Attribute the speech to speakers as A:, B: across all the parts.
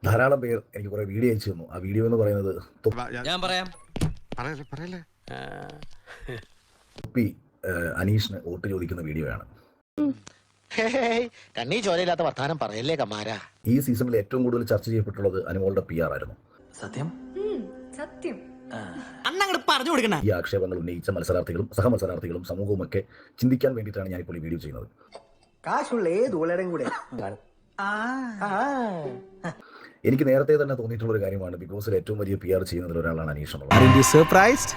A: ധാരാളം പേർ എനിക്ക് കുറെ വീഡിയോ അയച്ചു തന്നു. ആ വീഡിയോ എന്ന് പറയുന്നത്
B: ഞാൻ പറയാം.
A: തൊപ്പി അനീഷിന് വോട്ട് ചോദിക്കുന്ന വീഡിയോയാണ്.
C: കണ്ണീ ചോരയില്ലാത്ത വർത്താനം പറയല്ലേ കമാര.
A: ഈ സീസണിൽ ഏറ്റവും കൂടുതൽ ചർച്ച ചെയ്യപ്പെട്ടുള്ളത് അനുമോളുടെ PR ആയിരുന്നു.
D: സത്യം
E: സത്യം
D: പറഞ്ഞു കൊടുക്കണ.
A: ഈ ആക്ഷേപങ്ങൾ ഉന്നയിച്ച മത്സരാർത്ഥികളും സഹമത്സരാർത്ഥികളും സമൂഹവും ഒക്കെ ചിന്തിക്കാൻ വേണ്ടിയിട്ടാണ് ഞാനിപ്പോൾ ഈ വീഡിയോ ചെയ്യുന്നത്.
F: കാശുള്ള ഏത് ഉള്ളടം കൂടെ
A: എനിക്ക് നേരത്തെ തന്നെ തോന്നിയിട്ടുള്ള ഒരു കാര്യമാണ്, ബിഗ് ബോസിൽ ഏറ്റവും വലിയ PR ചെയ്യുന്നതിൽ ഒരാളാണ് അനീഷ് എന്നുള്ളത്.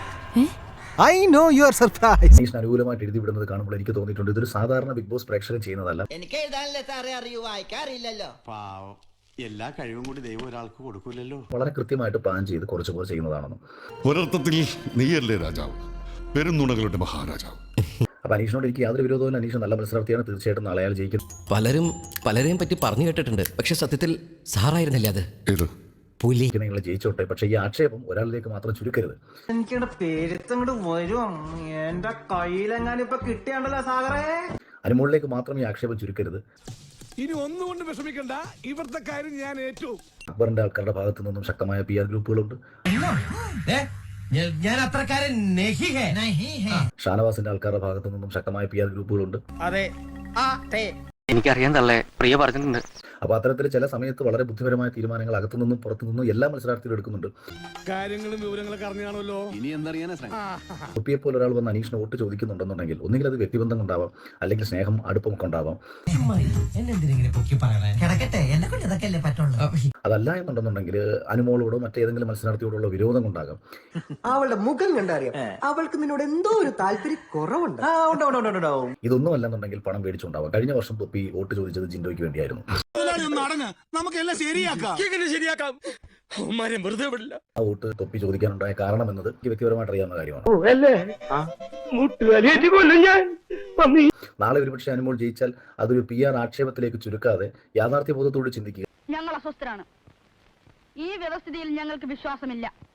A: അനീഷിന് അനുകൂലമായിട്ട് എഴുതി വിടുന്നത് കാണുമ്പോൾ എനിക്ക് തോന്നിയിട്ടുണ്ട് ഇതൊരു സാധാരണ ബിഗ് ബോസ് പ്രേക്ഷകൻ ചെയ്യുന്നതല്ല.
C: എനിക്ക് എഴുതാനല്ലേ സാറേ അറിയൂ, വായിക്കാറില്ലല്ലോ.
G: എല്ലാ കഴിവും കൂടി ദൈവം ഒരാൾക്ക് കൊടുക്കൂലല്ലോ.
A: വളരെ കൃത്യമായിട്ട് പ്ലാൻ ചെയ്ത് കുറച്ച് പേർ ചെയ്യുന്നതാണെന്നും
H: ഒരർത്ഥത്തിൽ നീയല്ലേ രാജാവ്, പെരുന്നുണകളുടെ മഹാരാജാവ്.
A: അപ്പൊ അനീഷിനോട് എനിക്ക് യാതൊരു വിരോധവും. അനീഷ് നല്ല മത്സരാർത്ഥിയാണ്, തീർച്ചയായിട്ടും നാളെ അയാൾ ജയിക്കും.
B: പലരെയും പറ്റി പറഞ്ഞു കേട്ടിട്ടുണ്ട്, പക്ഷെ സത്യത്തിൽ സാറായിരുന്നില്ല അത്.
H: ഏത്
B: പുലി.
A: നിങ്ങൾ ജയിച്ചോട്ടെ, പക്ഷേ ഈ ആക്ഷേപം ഒരാളിലേക്ക് മാത്രം ചുരുക്കരുത്.
F: എനിക്കിവിടെ പേരുത്തങ്ങോട്ട് വരും. എന്റെ കയ്യിലെങ്ങാനിപ്പൊ കിട്ടിയാണ്ടല്ലോ സാഗറേ.
A: അനുമോളിലേക്ക് മാത്രം ഈ ആക്ഷേപം ചുരുക്കരുത്.
I: ഇനി ഒന്നുകൊണ്ട് വിഷമിക്കണ്ട, ഇവിടുത്തെ കാര്യം ഞാൻ ഏറ്റു.
A: അക്ബറിന്റെ ആൾക്കാരുടെ ഭാഗത്തു നിന്നും ശക്തമായ PR ഗ്രൂപ്പുകളുണ്ട്.
D: ഞാൻ അത്രക്കാരൻ
A: ഷാനവാസിന്റെ ആൾക്കാരുടെ ഭാഗത്തു നിന്നും ശക്തമായ PR ഗ്രൂപ്പുകളുണ്ട്.
F: അതെ
J: എനിക്കറിയാൻ തള്ളേ, പ്രിയ പറഞ്ഞിട്ടുണ്ട്.
A: അപ്പൊ അത്തരത്തിൽ ചില സമയത്ത് വളരെ ബുദ്ധിപരമായ തീരുമാനങ്ങൾ അകത്തു നിന്നും പുറത്തു നിന്നും എല്ലാ മത്സരാർത്ഥികളും എടുക്കുന്നുണ്ട്.
I: കാര്യങ്ങളും വിവരങ്ങളൊക്കെ അറിഞ്ഞാണല്ലോ.
G: ഇനി എന്തറിയാനാ?
A: തൊപ്പിയെ പോലെ ഒരാൾ വന്ന് അനീഷിന് വോട്ട് ചോദിക്കുന്നുണ്ടെന്നുണ്ടെങ്കിൽ ഒന്നുകിൽ അത് വ്യക്തിബന്ധം കൊണ്ടാവാം, അല്ലെങ്കിൽ സ്നേഹം അടുപ്പമൊക്കെ ഉണ്ടാവാം. അതല്ല എന്നുണ്ടെന്നുണ്ടെങ്കിൽ അനുമോളോടോ മറ്റേതെങ്കിലും മത്സരാർത്ഥിയോടുള്ള വിരോധം കൊണ്ടാകാം.
F: അവളുടെ മുഖം കണ്ടറിയാം, അവൾക്ക് നിന്നോട് എന്തോ ഒരു താല്പര്യം കുറവുണ്ട്.
A: ഇതൊന്നും അല്ലെന്നുണ്ടെങ്കിൽ പണം മേടിച്ചുണ്ടാവാം. കഴിഞ്ഞ വർഷം തൊപ്പി വോട്ട് ചോദിച്ചത് ജിൻഡോയ്ക്ക് വേണ്ടിയായിരുന്നു.
I: നമുക്കെല്ലാം ശരിയാക്കാം. വെറുതെ വിടില്ല.
A: ആ വോട്ട് തൊപ്പി ചോദിക്കാനുണ്ടായ കാരണം എന്നത് എനിക്ക് വ്യക്തിപരമായിട്ട് അറിയാവുന്ന കാര്യമാണ്. നാളെ ഒരുപക്ഷെ അനുമോൾ ജയിച്ചാൽ അതൊരു PR ആക്ഷേപത്തിലേക്ക് ചുരുക്കാതെ യാഥാർത്ഥ്യബോധത്തോട് ചിന്തിക്കുക.
E: ഞങ്ങൾ അസ്വസ്ഥരാണ്. ഈ വ്യവസ്ഥിതിയിൽ ഞങ്ങൾക്ക് വിശ്വാസമില്ല.